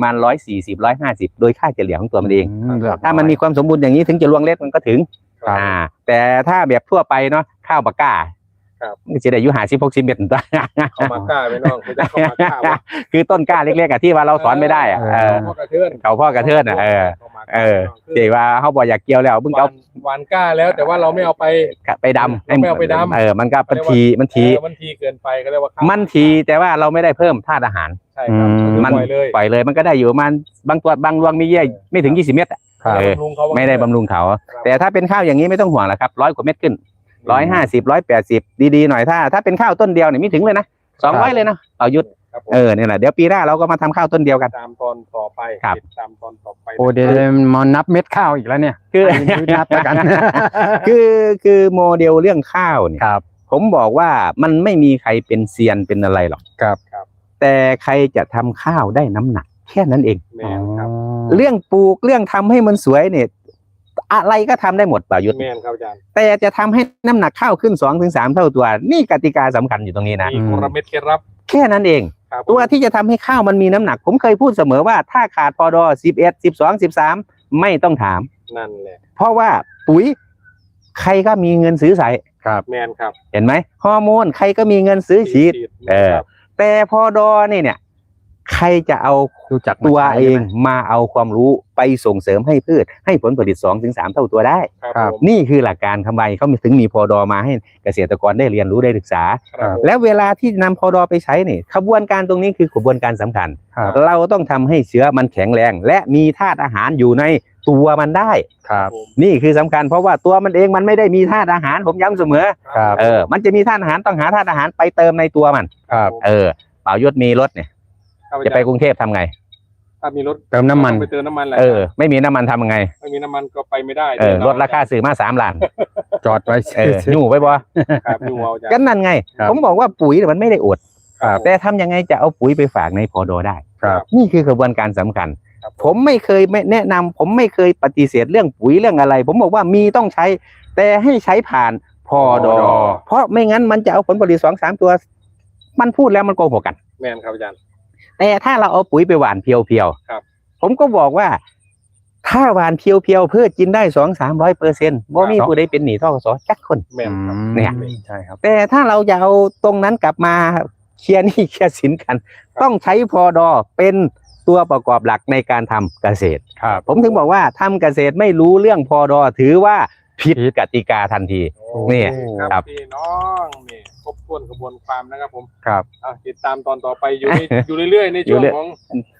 [SPEAKER 3] 140 150โดยค่าเฉลี่ยของตัวมันเอง ถ้ามันมีความสมบูรณ์อย่างนี้ถึงจะรวงเล็กมันก็ถึง
[SPEAKER 1] ครับ
[SPEAKER 3] แต่ถ้าแบบทั่วไปเนาะข้าวปากก้ามันจะได้อายุ50-60 เมตรตัว
[SPEAKER 2] เขามากล้าไปน้องเขาจะเข้ามากล้าวะ
[SPEAKER 3] คือต้นกล้าเล็กๆที่ว่าเราสอนไม่ได้อะ
[SPEAKER 2] พ่อกระเทือน
[SPEAKER 3] เขาพ่อกระเทือนเจ๋ว่าเขาบอกอยากเกี่ยวแล้วเพิ่งเอา
[SPEAKER 2] หวานกล้าแล้วแต่ว่าเราไม่เอาไป
[SPEAKER 3] ดำ
[SPEAKER 2] ไม่เอาไปดำ
[SPEAKER 3] มันก็มันที
[SPEAKER 2] มันทีเกินไปก็เรียกว่าข้าว
[SPEAKER 3] มันทีแต่ว่าเราไม่ได้เพิ่มธาตุอาหาร
[SPEAKER 2] ใช่ครับ
[SPEAKER 3] มัน
[SPEAKER 2] ปล่อยเลย
[SPEAKER 3] ปล่อยเลยมันก็ได้อยู่ประมาณบางตัวบางรวงมีเยื่อไม่ถึง20 เมตร
[SPEAKER 1] ครับ
[SPEAKER 3] เออ
[SPEAKER 2] บำรุงเขา
[SPEAKER 3] ไม่ได้บำรุงเขาแต่ถ้าเป็นข้าวอย่างนี้ไม่ต้องห่วงหรอกครับ100 กว่าเม็ดขึ้น150 180ดีๆหน่อยถ้าเป็นข้าวต้นเดียวเนี่ยไม่ถึงเลยนะ200เลยนะต่อยุทธ
[SPEAKER 2] ครับผม
[SPEAKER 3] เนี่ยแหละเดี๋ยวปีหน้าเราก็มาทำข้าวต้นเดียวกัน
[SPEAKER 2] ตามตอนต่อไป
[SPEAKER 3] ครับ
[SPEAKER 2] ติดตามตอนต่อไป
[SPEAKER 1] โอ้เดี๋ยวมานับเม็ดข้าวอีกแล้วเนี่ย
[SPEAKER 3] คือ
[SPEAKER 1] นับแล้วกัน
[SPEAKER 3] คือโมเดลเรื่องข้าวเนี่ย
[SPEAKER 1] ครับ
[SPEAKER 3] ผมบอกว่ามันไม่มีใครเป็นเซียนเป็นอะไรหรอก
[SPEAKER 1] ครับ
[SPEAKER 3] แต่ใครจะทำข้าวได้น้ำหนักแค่นั้นเอง
[SPEAKER 2] แม่นครับ
[SPEAKER 3] เรื่องปลูกเรื่องทำให้มันสวยเนี่ยอะไรก็ทำได้หมดป่ายุทธ
[SPEAKER 2] แม่นครับอาจารย์
[SPEAKER 3] แต่จะทำให้น้ำหนักข้าวขึ้น 2-3 เท่าตัว นี่กติกาสำคัญอยู่ตรงนี้นะ
[SPEAKER 2] มีกลเม็ดเคล็ดลับ
[SPEAKER 3] แค่นั้นเอง
[SPEAKER 2] ครับ
[SPEAKER 3] ตัวที่จะทำให้ข้าวมันมีน้ำหนัก ผมเคยพูดเสมอว่าถ้าขาดพอดอ11 12 13ไม่ต้องถาม
[SPEAKER 2] นั่นแหละ
[SPEAKER 3] เพราะว่าปุ๋ยใครก็มีเงินซื้อใส่
[SPEAKER 2] แม่นครับ
[SPEAKER 3] เห็นไหมฮอร์โมนใครก็มีเงินซื้อฉีด
[SPEAKER 2] แม่นครับ
[SPEAKER 3] แต่พอดอเนี่ยใครจะเอา
[SPEAKER 1] รู้จัก
[SPEAKER 3] ตัว
[SPEAKER 1] มาใช้
[SPEAKER 3] เอง
[SPEAKER 1] ใช่ไหม
[SPEAKER 3] มาเอาความรู้ไปส่งเสริมให้พืชให้ผลผลิต 2-3 เท่าตัวได้
[SPEAKER 2] ครับผม
[SPEAKER 3] นี่คือหลักการทำไมเขาถึงมีพอดอมาให้เกษตรกรได้เรียนรู้ได้ศึกษา
[SPEAKER 2] ครับผม
[SPEAKER 3] แล้วเวลาที่นำพอดอไปใช้เนี่ยขบวนการตรงนี้คือขบวนการสำคัญ
[SPEAKER 1] ครับ
[SPEAKER 3] เราต้องทำให้เชื้อมันแข็งแรง และมีธาตุอาหารอยู่ในตัวมันได้
[SPEAKER 1] ครับ
[SPEAKER 3] นี่คือสำคัญเพราะว่าตัวมันเองมันไม่ได้มีธาตุอาหารผมย้ำเสมอ
[SPEAKER 1] ครับ
[SPEAKER 3] มันจะมีธาตุอาหารต้องหาธาตุอาหารไปเติมในตัวมัน
[SPEAKER 1] ครับ
[SPEAKER 3] เป่ายศมีรถเนี่ย
[SPEAKER 2] ครับอา
[SPEAKER 3] จะ
[SPEAKER 2] จารย์
[SPEAKER 3] ไปกรุงเทพทำไง
[SPEAKER 2] ถ้ามีรถ
[SPEAKER 1] เติมน้ำมัน
[SPEAKER 2] ต้องไปเติมน้ำมันแหละ
[SPEAKER 3] ไม่มีน้ำมันทำยังไง
[SPEAKER 2] ไม่มีน้ำมันก็ไปไม่ได้
[SPEAKER 3] รถราคาซื้อมา3 ล้าน
[SPEAKER 1] จอดไว้
[SPEAKER 3] อยู่ไว้บ่
[SPEAKER 2] ครับดูเอาอาจารย์
[SPEAKER 3] ก็นั่นไง
[SPEAKER 1] ครับ
[SPEAKER 3] ผมบอกว่าปุ๋ยเนี่ยมันไม่ได้อด
[SPEAKER 1] ครับ
[SPEAKER 3] แต่ทำยังไงจะเอาปุ๋ยไปฝากในพอดอได้
[SPEAKER 1] ครับ
[SPEAKER 3] นี่คือกระบวนการสำคัญ
[SPEAKER 2] ครับ
[SPEAKER 3] ผมไม่เคยไม่แนะนำผมไม่เคยปฏิเสธเรื่องปุ๋ยเรื่องอะไร ผมบอกว่ามีต้องใช้ แต่ให้ใช้ผ่านพอดอ
[SPEAKER 1] พอดอ
[SPEAKER 3] เพราะไม่งั้นมันจะเอาผลผลิต2-3 ตัว มันพูดแล้วมันโกหกกัน
[SPEAKER 2] แม่นครับอาจารย์
[SPEAKER 3] แต่ถ้าเราเอาปุ๋ยไปหว่านเพียว
[SPEAKER 2] ครับ
[SPEAKER 3] ๆผมก็บอกว่า ถ้าหว่านเพียวๆเพื่อกินได้200-300%บ่มีผู้ใดเป็นหนี้ทกสจักคน
[SPEAKER 2] แม่นครับ
[SPEAKER 3] เนี่ย
[SPEAKER 1] ใช่ครับ
[SPEAKER 3] แต่ถ้าเราจะเอาตรงนั้นกลับมาเคลียร์หนี้เคลียร์สินกัน ต้องใช้พอดอเป็นตัวประกอบหลักในการทำเกษตร
[SPEAKER 1] ครับ
[SPEAKER 3] ผมถึงบอกว่าทำเกษตรไม่รู้เรื่องพอดอถือว่าผิดกติกาทันที เนี่ย
[SPEAKER 2] ครับ พี่น้องนี่ครบถ้วนกระบวนความนะครับผม
[SPEAKER 1] ครับ
[SPEAKER 2] ติดตามตอนต่อไปอยู่เรื่อยๆในช่วงของ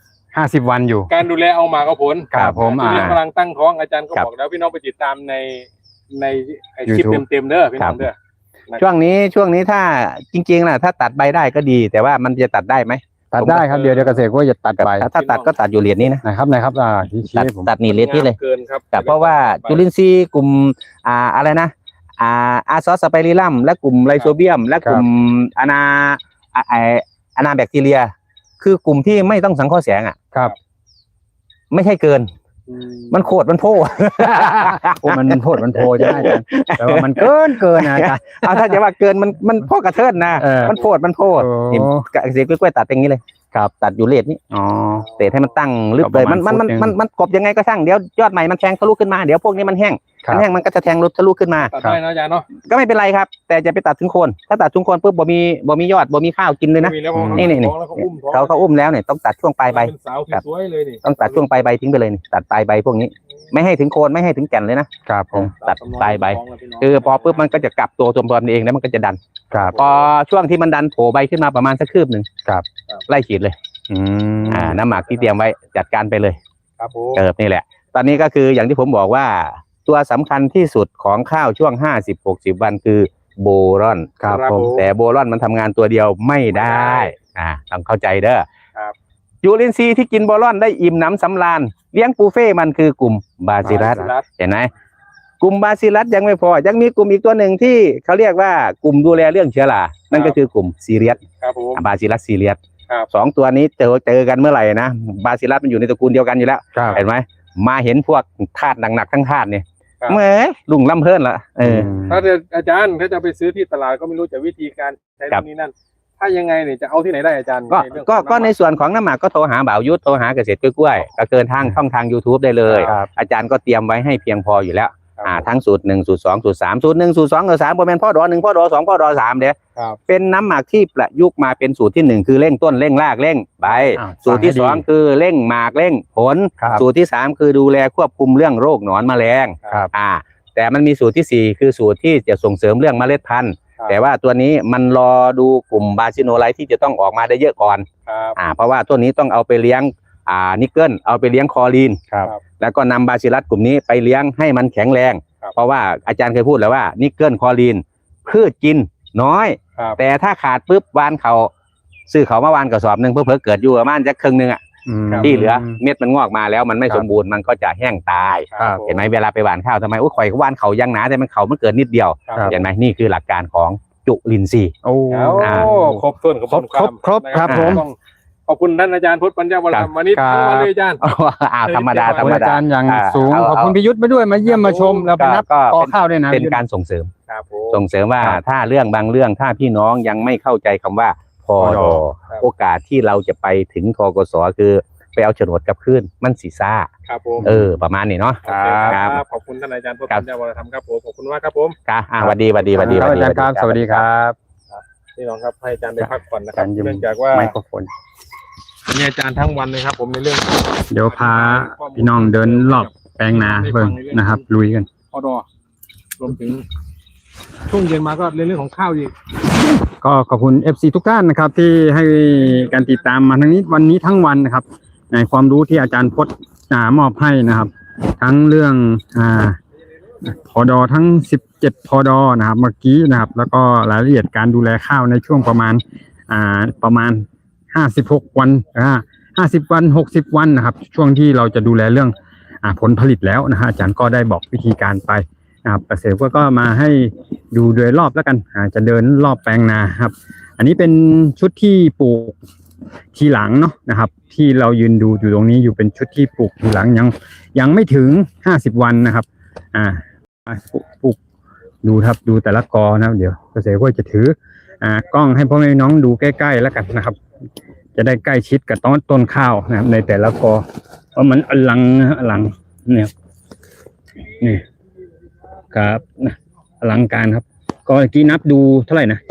[SPEAKER 1] 50 วันอยู่
[SPEAKER 2] การดูแลเอาหมากเอาผล
[SPEAKER 1] ครับผม
[SPEAKER 2] ที่นี่กำลังตั้งท้องอาจารย์ก็
[SPEAKER 3] ครับ
[SPEAKER 2] บอกแล้วพี่น้องไปติดตามในไอ้คลิป
[SPEAKER 1] YouTube
[SPEAKER 2] เต็มๆเด้อพี่น้องเด้อ
[SPEAKER 3] ช่วงนี้ถ้าจริงๆนะถ้าตัดใบได้ก็ดี แต่ว่ามันจะตัดได้ไหม
[SPEAKER 1] ตัดได้ครับเดี๋ยวเกษตรก็จะตัดไป
[SPEAKER 3] ถ้าตัดก็ตัดอยู่เหรียญนี้นะ
[SPEAKER 1] นะครับชี้
[SPEAKER 3] ตัด
[SPEAKER 1] ให้ผม
[SPEAKER 3] ตัดนี่เหรียญนี้เลย
[SPEAKER 2] เกินครับ
[SPEAKER 3] แต่เพราะว่าจุลินทรีย์กลุ่มอะไรนะอาซอสสไปริลัมและกลุ่มไลโซเบียม และกลุ่มอนาแบคทีเรีย คือกลุ่มที่ไม่ต้องสังเคราะห์แสงอ่ะ
[SPEAKER 1] ครับ
[SPEAKER 3] ไม่ใช่เกิน มันโคตรมันโพ
[SPEAKER 1] โอ้มันโพดมันโพใช่ไหมอาจารย์แต่ว่ามันเกินนะอาจารย์
[SPEAKER 3] เอาถ้าจะว่าเกินมันโพกระเทินนะ มันโพด
[SPEAKER 1] โอ้
[SPEAKER 3] นี่เกษตรกล้วยๆตัดอย่างนี้เลย
[SPEAKER 1] ครับ
[SPEAKER 3] ตัดอยู่เลทนี้
[SPEAKER 1] อ๋อ
[SPEAKER 3] เตะให้มันตั้งลึกเลย
[SPEAKER 1] ประมาณฟุตหนึ่ง
[SPEAKER 3] มันกบยังไงก็ช่างเดี๋ยวยอดใหม่มันแทงทะลุขึ้นมาเดี๋ยวพวกนี้มันแห้ง
[SPEAKER 1] ครับ
[SPEAKER 3] มันแห้งมันก็จะแทงทะลุขึ้นมา
[SPEAKER 2] ตัดได้นะอาจารย์เนาะ
[SPEAKER 3] ก็ไม่เป็นไรครับ แต่จะไปตัดถึงโคนถ้าตัดถึงโคนปุ๊บบ่มียอดบ่มีข้าวกินเลยนะ
[SPEAKER 2] มีแล้วพอ
[SPEAKER 3] นี่
[SPEAKER 2] ท้องแล้วเขาอุ้มท้อง
[SPEAKER 3] เขาอุ้มแล้วเนี่ยต้องตัดช่วงปลายใบ
[SPEAKER 2] เป็นสาวสวยๆเลยนี่
[SPEAKER 3] ต้องตัดช่วงปลายใบทิ้งไปเลยนี่ตัดปลายใบพวกนี้ ไม่ให้ถึงโคนไม่ให้ถึงแก่นเลยนะครับ
[SPEAKER 1] ผม
[SPEAKER 3] ตัดปลายใบคือพอปุ๊บมันก็จะกลับตัวมันเองแล้วมันก็จะดัน
[SPEAKER 1] ครับ
[SPEAKER 3] พอช่วงที่มันดันโผล่ใบขึ้นมาประมาณสักคืบหนึ่ง
[SPEAKER 1] ครับ
[SPEAKER 3] ไล่ฉีดเลย
[SPEAKER 1] อืม
[SPEAKER 3] น้ำหมักที่เตรียมไว้จัดการไปเลย
[SPEAKER 2] ครับผม
[SPEAKER 3] นี่แหละ ตอนนี้ก็คืออย่างที่ผมบอกว่า ตัวสำคัญที่สุดของข้าวช่วง 50-60 วันคือโบรอน
[SPEAKER 1] ครับผม
[SPEAKER 3] แต่โบรอนมันทำงานตัวเดียวไม่ได้ต้องเข้าใจเด้อ
[SPEAKER 2] ครับ
[SPEAKER 3] ยูรินซีย์ที่กินโบรอนได้อิ่มหนำสำราญเลี้ยงปูเฟ่มันคือกลุ่มบาซิลัสเห็นไหมกลุ่มบาซิลัสยังไม่พอยังมีกลุ่มอีกตัวหนึ่งที่เขาเรียกว่ากลุ่มดูแลเรื่องเชื้อรานั่นก็คือกลุ่มซีเรียส
[SPEAKER 2] ครับผม
[SPEAKER 3] บาซิลัสซีเรียส
[SPEAKER 2] ครับ
[SPEAKER 3] สองตัวนี้เจอกันเมื่อไหร่นะบาซิลัสมันอยู่ในตระกูลเดียวกันอยู่แล้ว
[SPEAKER 1] ครับ
[SPEAKER 3] เห็นไหมมาเห็นพวกธาตุหนักๆทั้งธาตุเนี่ย
[SPEAKER 2] ครับ
[SPEAKER 3] เมื่อลุงล่ำเพิ่นละ
[SPEAKER 2] ถ้าจะอาจารย์ถ้าจะไปซื้อที่ตลาดก็ไม่รู้จะวิธีการใช้
[SPEAKER 3] ครั
[SPEAKER 2] ต
[SPEAKER 3] บ
[SPEAKER 2] รงนี้นั่น ถ้ายังไงเนี่ยจะเอาที่ไหนได้อาจารย์
[SPEAKER 3] ก็
[SPEAKER 2] เรื่อง
[SPEAKER 3] ก็
[SPEAKER 2] ของ
[SPEAKER 3] ก็ใน
[SPEAKER 2] ำมั
[SPEAKER 3] ส่วนของน้ำหมักก็โทรหาบ่าวยุทธโทรหาเกษตรกล้วยๆก็เกินทางช่องทาง YouTube ได้เลย
[SPEAKER 1] ครับ
[SPEAKER 3] อาจารย์ก็เตรียมไว้ให้เพียงพออยู่แล้วทั้งสูตร1สูตร2สูตร3สูตร1สูตร2สูตร3บ่แม่นพ่อดอ1พ่อดอ2พ่อดอ3เด้
[SPEAKER 2] ครับ
[SPEAKER 3] เป็นน้ำหมักที่ประยุกต์มาเป็นสูตรที่1คือเร่งต้นเร่งรากเร่งใบสูตรที่2คือเร่งหมากเร่งผลสูตรที่3คือดูแลควบคุมเรื่องโรคหนอนแมลงแต่มันมีสูตรที่4คือสูตรที่จะส่งเสริมเรื่องเมล็ดพันธุ์แต่ว่าตัวนี้มันรอดูกลุ่มบาซิโนไลท์ที่จะต้องออกมาได้เยอะก่อนเพราะว่าตัวนี้ต้องเอาไปเลี้ยงนิกเกิลเอาไปเลี้ยงคลอรีนแล้วก็นำบาซิลัสกลุ่มนี้ไปเลี้ยงให้มันแข็งแรงเพราะว่าอาจารย์เคยพูดแล้วว่านิกเกิลคลอรีนพืชกินน้อยแต่ถ้าขาดปุ๊บวานเขาซื้อเขามาวานกระสอบหนึ่งเพื่อเกิดอยู่ประมาณจะครึ่งนึงที่เหลือเม็ดมันงอกมาแล้วมันไม่สมบูรณ์มันก็จะแห้งตายเห็นไหมเวลาไปหว่านข้าวทำไมข่อยก็หว่านเขายังหนาแต่มันเขามันเกิดนิดเดียวเห็นไหมนี่คือหลักการของจุลินทรีย์
[SPEAKER 2] ครบถ้วน
[SPEAKER 1] ครบครับผม
[SPEAKER 2] ขอบคุณท่านอาจารย์พุทธปัญญาวรธรรมวันนี้ทั้งวันเลยอาจารย์
[SPEAKER 3] ธรรมดา
[SPEAKER 1] อาจารย์อย่างสูงขอบคุณพิยุทธ์ไปด้วยมาเยี่ยมมาชมแล้วไปนับต่อข้าวด้วยนะ
[SPEAKER 3] เป็นการส่งเสริมว่าถ้าเรื่องบางเรื่องถ้าพี่น้องยังไม่เข้าใจคำว่าพอดอโอกาสที่เราจะไปถึงทกสคือไปเอาโฉนดกลับคืนมันสีซ่าประมาณนี้เนาะ
[SPEAKER 2] ขอบคุณท่านอาจารย์พุทธปัญญาวรธรรมครับผมขอบคุณมากครับผม
[SPEAKER 3] สวัสดีอาจารย์
[SPEAKER 1] ครับสวัสดีครับ
[SPEAKER 2] พี่น้องครับให้อาจารย์ได้พักผ่อนนะครับเนื่องจากว่า
[SPEAKER 1] ไมโครโฟน
[SPEAKER 2] มีอาจารย์ทั้งวันเลยครับผมในเรื่อง
[SPEAKER 1] เดี๋ยวพาพี่น้องเดินรอบแปลงนาเบิ่งนะครับลุยกัน
[SPEAKER 2] พอดอรวมถึงช่วงเย็นมาก็เรื่องของข้าวอีก
[SPEAKER 1] ก็ขอบคุณ FC ทุกท่านนะครับที่ให้การติดตามมาทั้งนี้วันนี้ทั้งวันนะครับในความรู้ที่อาจารย์พจน์มอบให้นะครับทั้งเรื่องพอดอทั้ง17พอดอนะครับเมื่อกี้นะครับแล้วก็รายละเอียดการดูแลข้าวในช่วงประมาณ56วัน50วัน60วันนะครับช่วงที่เราจะดูแลเรื่องผลผลิตแล้วนะฮะอาจารย์ก็ได้บอกวิธีการไปนะครับเกษตรก็มาให้ดูโดยรอบแล้วกันจะเดินรอบแปลงนาครับอันนี้เป็นชุดที่ปลูกทีหลังเนาะนะครับที่เรายืนดูอยู่ตรงนี้อยู่เป็นชุดที่ปลูกทีหลังยังไม่ถึง50วันนะครับปลูกดูครับดูแต่ละกอนะครับเดี๋ยวเกษตรก็จะถือกล้องให้พ่อแม่น้องดูใกล้ๆแล้วกันนะครับจะได้ใกล้ชิดกับต้นข้าวนะครับในแต่ละกอเพราะมันอลังเนี่ยนี่ครับอลังการครับก็เมื่อกี้นับดูเท่าไหร่นะ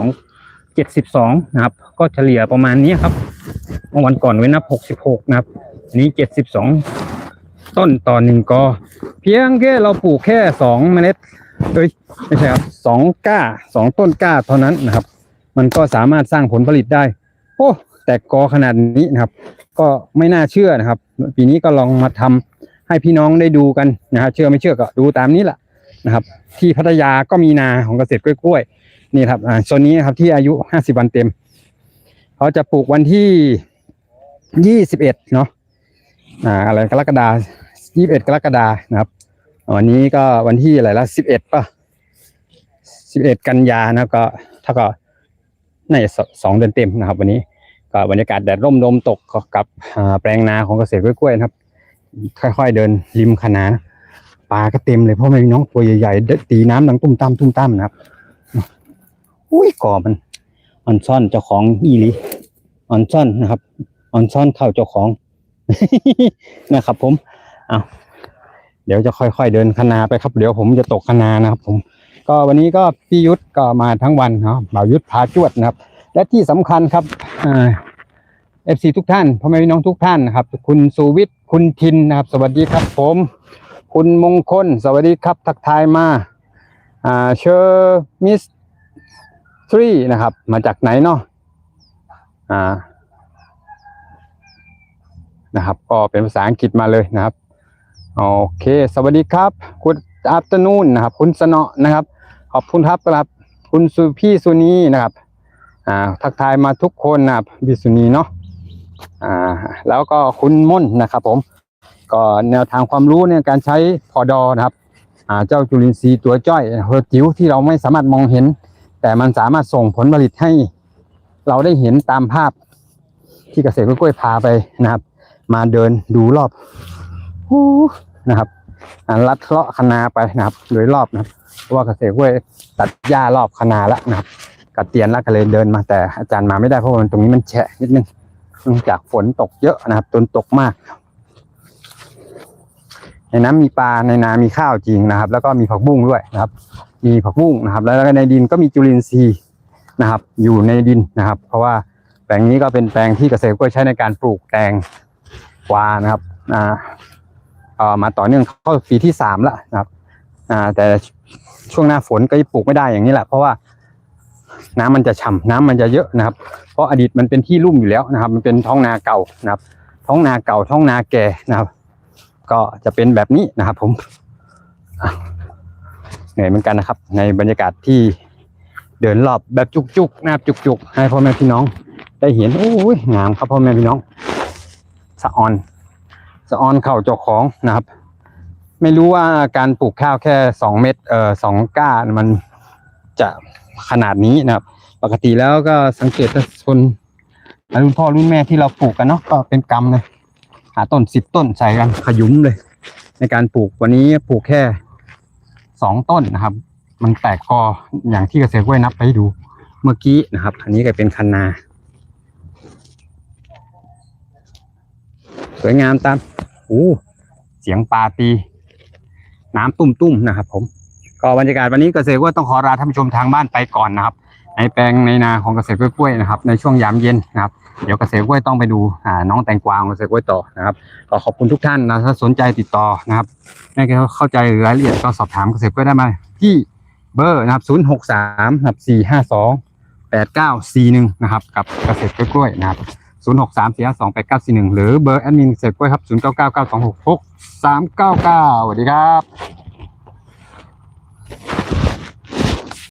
[SPEAKER 1] 72นะครับก็เฉลี่ยประมาณนี้ครับเมื่อวันก่อนไว้นับ66นะครับนี้72ต้นต่อ1กอเพียงแค่เราปลูกแค่2เมล็ดไม่ใช่ครับ2ก้า2ต้นก้าเท่านั้นนะครับมันก็สามารถสร้างผลผลิตได้โอ้แต่กอขนาดนี้นะครับก็ไม่น่าเชื่อนะครับปีนี้ก็ลองมาทำให้พี่น้องได้ดูกันนะครับเชื่อไม่เชื่อก็ดูตามนี้แหละนะครับที่พัทยาก็มีนาของเกษตรกล้วยๆนี่ครับโซนนี้ครับที่อายุ50วันเต็มเขาจะปลูกวันที่21เนาะอะไรกรกฎาคม21กรกฎาคมนะครับวันนี้ก็วันที่อะไรละ11ป่ะ11กันยานะก็ถ้าก็ใน2เดือนเต็มนะครับวันนี้ก็บรรยากาศแดดร่มลมตกกับแปลงนาของเกษตรกล้วยๆนะครับค่อยๆเดินริมคะนาปลาก็เต็มเลยเพราะไม่มีน้องตัวใหญ่ๆตีน้ำดังตุ้มตั้มนะครับอุ้ยก่อมันซ่อนเจ้าของอีหลีออนซ่อนนะครับออนซ่อนเข้าเจ้าของ นะครับผมเดี๋ยวจะค่อยๆเดินคะนาไปครับเดี๋ยวผมจะตกคะนานะครับผมก็วันนี้ก็พี่ยุทธก็มาทั้งวันเนาะบ่าวยุทธพาจวดนะครับและที่สำคัญครับFC ทุกท่านพ่อแม่พี่น้องทุกท่านนะครับคุณสุวิทย์คุณทินนะครับสวัสดีครับผมคุณมงคลสวัสดีครับทักทายมาเชอร์มิสทรีนะครับมาจากไหนเนาะนะครับก็เป็นภาษาอังกฤษมาเลยนะครับโอเคสวัสดีครับคุณอัปเตอร์นูนนะครับคุณสนอนะครับขอบคุณครับคุณพี่สุนีนะครับทักทายมาทุกคนนะครับพี่สุนีเนาะแล้วก็คุณม่นนะครับผมก็แนวทางความรู้ในการใช้พอดอนะครับเจ้าจุลินทรีย์ตัวจ้อยเฮอร์จิ๋วที่เราไม่สามารถมองเห็นแต่มันสามารถส่งผลผลิตให้เราได้เห็นตามภาพที่เกษตรกล้วยพาไปนะครับมาเดินดูรอบนะครับลัดเลาะคะนาไปนะครับโดยรอบนะครับเพราะว่าเกษตรกล้วยตัดหญ้ารอบคะนาแล้วนะครับกัดเตียนแล้วก็เลยเดินมาแต่อาจารย์มาไม่ได้เพราะว่าตรงนี้มันแฉะนิดนึงเนื่องจากฝนตกเยอะนะครับจนตกมากในน้ำมีปลาในนามีข้าวจริงนะครับ แล้วก็มีผักบุ้งด้วยนะครับ มีผักบุ้งนะครับ แล้วก็ในดินก็มีจุลินทรีย์นะครับ อยู่ในดินนะครับ เพราะว่าแปลงนี้ก็เป็นแปลงที่เกษตรกล้วยใช้ในการปลูกแตงกวานะครับมาต่อเนื่องเข้าปีที่3แล้วนะครับแต่ช่วงหน้าฝนก็ปลูกไม่ได้อย่างนี้แหละเพราะว่าน้ำมันจะฉ่ำน้ำมันจะเยอะนะครับ เพราะอดีตมันเป็นที่ลุ่มอยู่แล้วนะครับ มันเป็นท้องนาเก่านะครับ ท้องนาเก่าท้องนาแก่นะครับ ก็จะเป็นแบบนี้นะครับ ผมเหนื่อยเหมือนกันนะครับ ในบรรยากาศที่เดินรอบแบบจุกๆนะครับจุกๆให้พ่อแม่พี่น้องได้เห็นโอ้ยงามครับพ่อแม่พี่น้องสะออนเข่าเจ้าของนะครับ ไม่รู้ว่าการปลูกข้าวแค่2 เม็ด2 ก้ามันจะขนาดนี้นะครับ ปกติแล้วก็สังเกตคนรุ่นพ่อรุ่นแม่ที่เราปลูกกันเนาะก็เป็นกำเลยหาต้น10 ต้นใส่กันขยุ้มเลย ในการปลูกวันนี้ปลูกแค่2 ต้นนะครับ มันแตกกออย่างที่เกษตรกล้วยนับไปให้ดูเมื่อกี้นะครับ อันนี้ก็เป็นคันนาสวยงามตามเสียงปลาตีน้ำตุ้มๆนะครับ ผมก็บรรยากาศวันนี้เกษตรกล้วยต้องขอลาท่านผู้ชมทางบ้านไปก่อนนะครับ ในแปลงในนาของเกษตรกล้วยนะครับในช่วงยามเย็นนะครับเดี๋ยวเกษตรกล้วยต้องไปดูน้องแตงกวาของเกษตรกล้วยต่อนะครับก็ขอบคุณทุกท่านนะถ้าสนใจติดต่อนะครับไม่เข้าใจรายละเอียดก็สอบถามเกษตรกล้วยได้มาที่เบอร์นะครับ063นะครับ452 8941นะครับกับเกษตรกล้วยนะครับ063 452 8941หรือเบอร์แอดมินเกษตรกล้วยครับ0999266399สวัสดีครับ